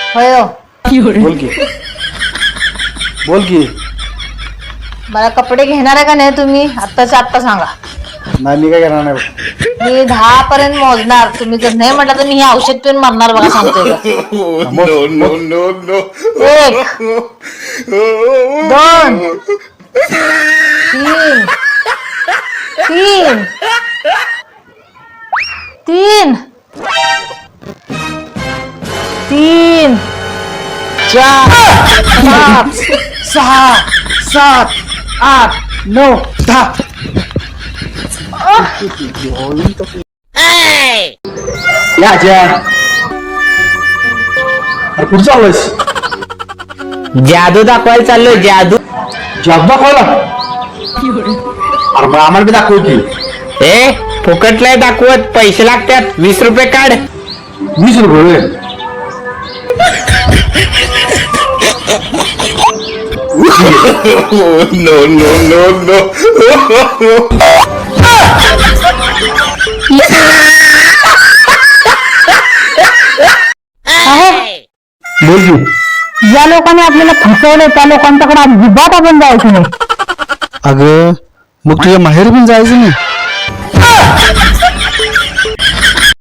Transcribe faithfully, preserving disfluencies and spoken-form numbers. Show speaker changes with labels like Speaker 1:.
Speaker 1: होय हो.
Speaker 2: बोल की बोल की
Speaker 1: मला कपडे घेणार आहे का नाही तुम्ही आत्ताच्या आत्ता सांगा.
Speaker 2: नाही मी काय करणार नाही बघ.
Speaker 1: मी दहा पर्यंत मोजणार. तुम्ही जर नाही म्हटलं तर मी हे औषध पिऊन मरणार बघा सांगतोय का.
Speaker 2: नो नो नो नो
Speaker 1: एक दोन तीन तीन तीन तीन
Speaker 2: चार पाच सहा सात आठ नऊ दहा या आज्या अरे कुठं चाललोयस?
Speaker 3: जादू दाखवायला चाललोय. जादू
Speaker 2: जॉब दाखवायला? अरे मग आम्हाला बी दाखव की.
Speaker 3: ए फुकट नाही दाखवत, पैसे लागतात. वीस रुपये काढ.
Speaker 2: वीस रुपये
Speaker 4: no, no, no, no.
Speaker 2: बोल की.
Speaker 1: ज्या लोकांनी आपल्याला फसवलं त्या लोकांच्याकडे अजिबात आपण जायचं नाही.
Speaker 2: अगं मग तुझ्या माहेर पण जायचं नाही.